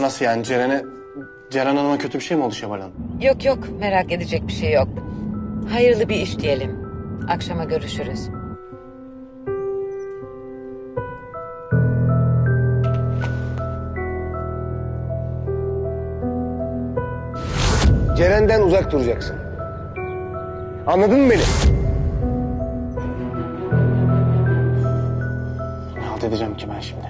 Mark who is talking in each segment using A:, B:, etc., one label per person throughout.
A: Nasıl yani Ceren Hanım'a kötü bir şey mi oldu Şevval Hanım?
B: Yok yok, merak edecek bir şey yok. Hayırlı bir iş diyelim. Akşama görüşürüz.
C: Ceren'den uzak duracaksın. Anladın mı beni?
A: Ne halt edeceğim ki ben şimdi?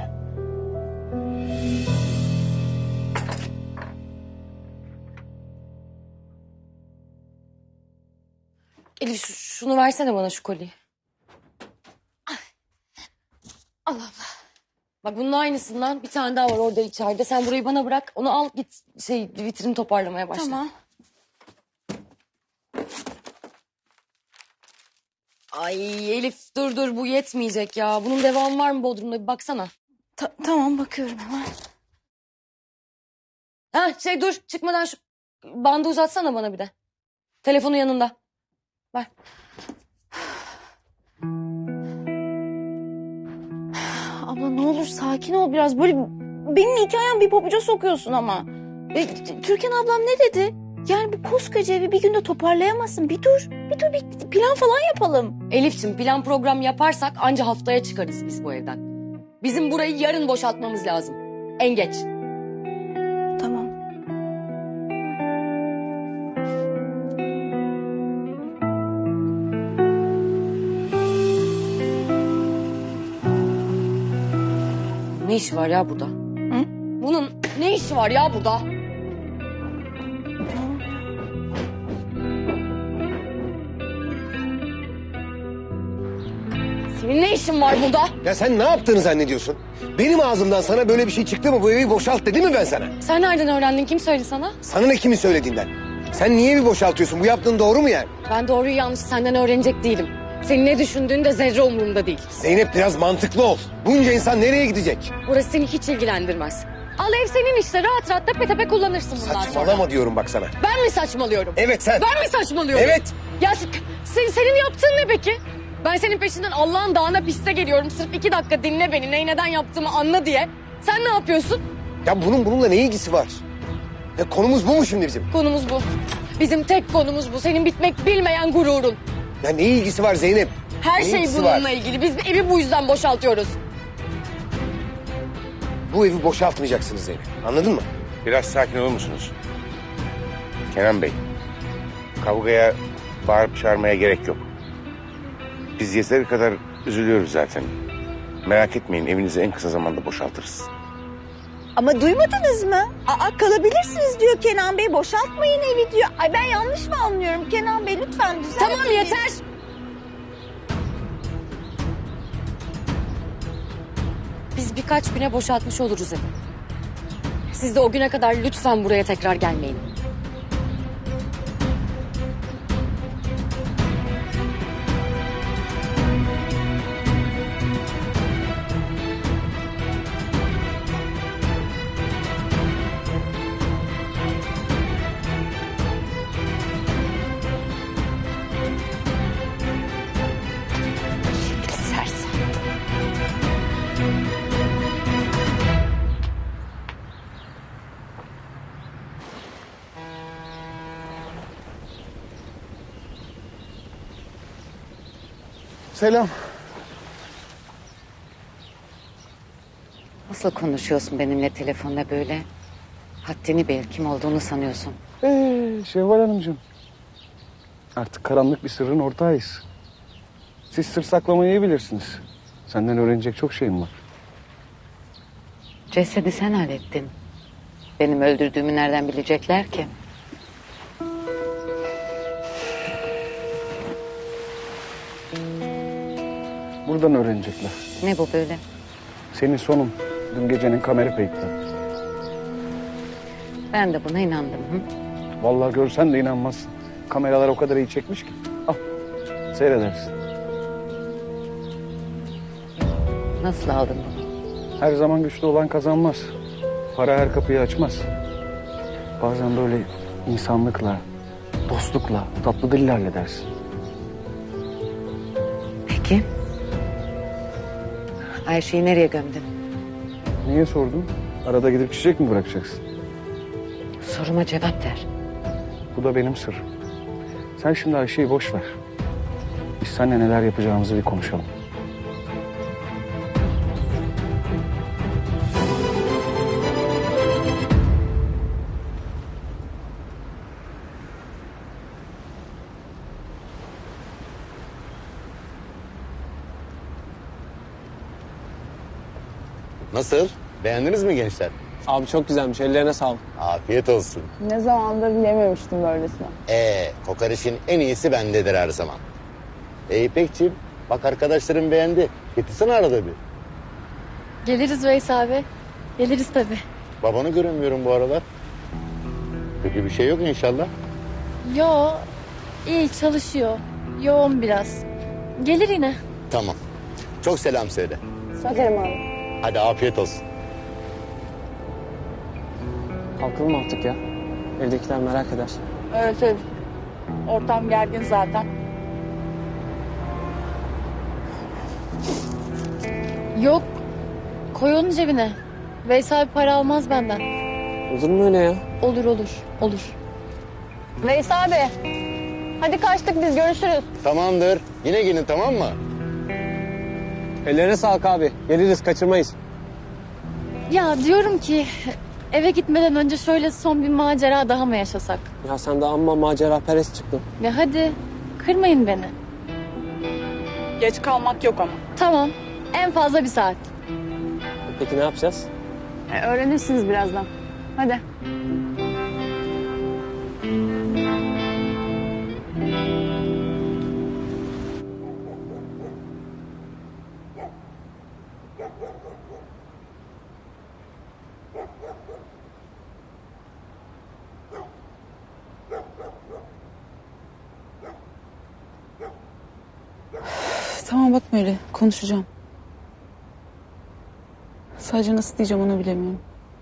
D: Elif şunu versene bana, şu kolyeyi. Allah Allah. Bak bunun aynısından bir tane daha var orada içeride. Sen burayı bana bırak. Onu al git vitrini toparlamaya başla.
E: Tamam.
D: Ay Elif dur bu yetmeyecek ya. Bunun devamı var mı Bodrum'da, bir baksana.
E: Tamam, bakıyorum hemen.
D: Ha dur, çıkmadan şu bandı uzatsana bana bir de. Telefonu yanında. Ver.
E: Abla ne olur sakin ol biraz. Böyle benim hikayem bir pabuca sokuyorsun ama. Türkan ablam ne dedi? Yani bu koskoca evi bir günde toparlayamazsın. Bir dur bir plan falan yapalım.
D: Elif'ciğim, plan program yaparsak anca haftaya çıkarız biz bu evden. Bizim burayı yarın boşaltmamız lazım. En geç.
E: Tamam.
D: Ne işi var ya burada?
E: Hı?
D: Bunun ne işi var ya burada? Senin ne işin var burada?
C: Ya sen ne yaptığını zannediyorsun? Benim ağzımdan sana böyle bir şey çıktı mı? Bu evi boşalt dedim mi ben sana?
D: Sen nereden öğrendin? Kim söyledi sana?
C: Sana ne kimin söylediğinden? Sen niye evi boşaltıyorsun? Bu yaptığın doğru mu yani?
D: Ben doğruyu yanlışı senden öğrenecek değilim. Senin ne düşündüğün de zerre umurumda değil.
C: Zeynep biraz mantıklı ol. Bunca insan nereye gidecek?
D: Burası seni hiç ilgilendirmez. Al, ev senin işte, rahat rahat tepe tepe kullanırsın bundan sonra.
C: Saçmalama diyorum bak sana.
D: Ben mi saçmalıyorum?
C: Evet sen.
D: Ben mi saçmalıyorum?
C: Evet.
D: Ya senin yaptığın ne peki? Ben senin peşinden Allah'ın dağına piste geliyorum. Sırf 2 dakika dinle beni, neyi neden yaptığımı anla diye. Sen ne yapıyorsun?
C: Ya bununla ne ilgisi var? Ya konumuz bu mu şimdi bizim?
D: Konumuz bu. Bizim tek konumuz bu. Senin bitmek bilmeyen gururun.
C: Ya ne ilgisi var Zeynep?
D: Her
C: Ne
D: şey
C: ilgisi
D: bununla
C: var?
D: ilgili. Biz evi bu yüzden boşaltıyoruz.
C: Bu evi boşaltmayacaksınız Zeynep. Anladın mı?
F: Biraz sakin olur musunuz? Kenan Bey, kavgaya bağırıp çağırmaya gerek yok. Biz yeteri kadar üzülüyoruz zaten. Merak etmeyin, evinizi en kısa zamanda boşaltırız.
E: Ama duymadınız mı? Kalabilirsiniz diyor Kenan Bey. Boşaltmayın evi diyor. Ay ben yanlış mı anlıyorum? Kenan Bey lütfen düzeltin.
D: Tamam, yeter. Biz birkaç güne boşaltmış oluruz evi. Siz de o güne kadar lütfen buraya tekrar gelmeyin.
E: Sersem.
A: Selam.
B: Nasıl konuşuyorsun benimle telefonla böyle? Haddini bil, kim olduğunu sanıyorsun.
G: Şevval Hanımcığım. Artık karanlık bir sırrın ortağıyız. Siz sır saklamayı iyi bilirsiniz. Senden öğrenecek çok şeyim var.
B: Cesedi sen hallettin. Benim öldürdüğümü nereden bilecekler ki?
G: Buradan öğrenecekler.
B: Ne bu böyle?
G: Senin sonun dün gecenin kamera kayıtları.
B: Ben de buna inandım. Hı?
G: Vallahi görsen de inanmazsın. Kameralar o kadar iyi çekmiş ki. Al, seyredersin.
B: Nasıl aldın bunu?
G: Her zaman güçlü olan kazanmaz. Para her kapıyı açmaz. Bazen böyle insanlıkla, dostlukla, tatlı dille halledersin.
B: Peki. Ayşe'yi nereye gömdün?
G: Niye sordun? Arada gidip çiçek mi bırakacaksın?
B: Soruma cevap ver.
G: Bu da benim sırrım. Sen şimdi Ayşe'yi boş ver. Biz seninle neler yapacağımızı bir konuşalım.
H: Nasıl? Beğendiniz mi gençler?
A: Abi çok güzelmiş. Ellerine sağlık.
H: Afiyet olsun.
I: Ne zamandır yememiştim böylesine.
H: Kokoreçin en iyisi bendedir her zaman. İpekciğim, bak arkadaşlarım beğendi. Getirsene arada bir.
D: Geliriz Veys abi. Geliriz tabii.
H: Babanı göremiyorum bu aralar. Kötü bir şey yok inşallah.
D: Yo, iyi çalışıyor. Yoğun biraz. Gelir yine.
H: Tamam. Çok selam söyle.
I: Söylerim abi.
H: Hadi afiyet olsun.
A: Kalkalım mı artık ya? Evdekiler merak eder.
I: Evet. Ortam gergin zaten.
D: Yok, koy onu cebine. Veys abi para almaz benden.
A: Olur mu öyle ya?
D: Olur.
I: Veys abi. Hadi kaçtık biz, görüşürüz.
H: Tamamdır. Yine gelin, tamam mı?
A: Ellerine sağlık abi. Geliriz, kaçırmayız.
D: Ya diyorum ki eve gitmeden önce şöyle son bir macera daha mı yaşasak?
A: Ya sen de amma macera perest çıktın.
D: Ya hadi kırmayın beni.
I: Geç kalmak yok ama.
D: Tamam, en fazla bir saat.
A: Peki ne yapacağız?
I: Öğrenirsiniz birazdan. Hadi.
J: Tamam bakma öyle. Konuşacağım. Sadece nasıl diyeceğim onu bilemiyorum.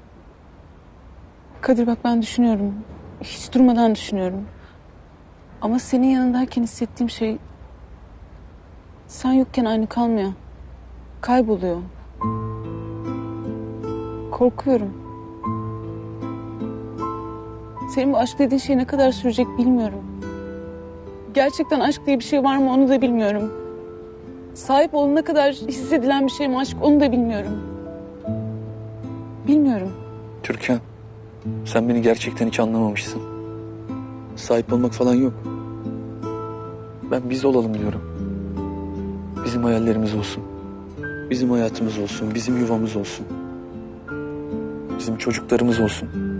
J: Kadir bak ben düşünüyorum. Hiç durmadan düşünüyorum. Ama senin yanındayken hissettiğim şey... sen yokken aynı kalmıyor. Kayboluyor. Korkuyorum. Senin bu aşk dediğin şey ne kadar sürecek bilmiyorum. Gerçekten aşk diye bir şey var mı onu da bilmiyorum. Sahip olana kadar hissedilen bir şey mi aşk onu da bilmiyorum. Bilmiyorum.
K: Türkan, sen beni gerçekten hiç anlamamışsın. Sahip olmak falan yok. Ben biz olalım diyorum. Bizim hayallerimiz olsun. Bizim hayatımız olsun, bizim yuvamız olsun. Bizim çocuklarımız olsun.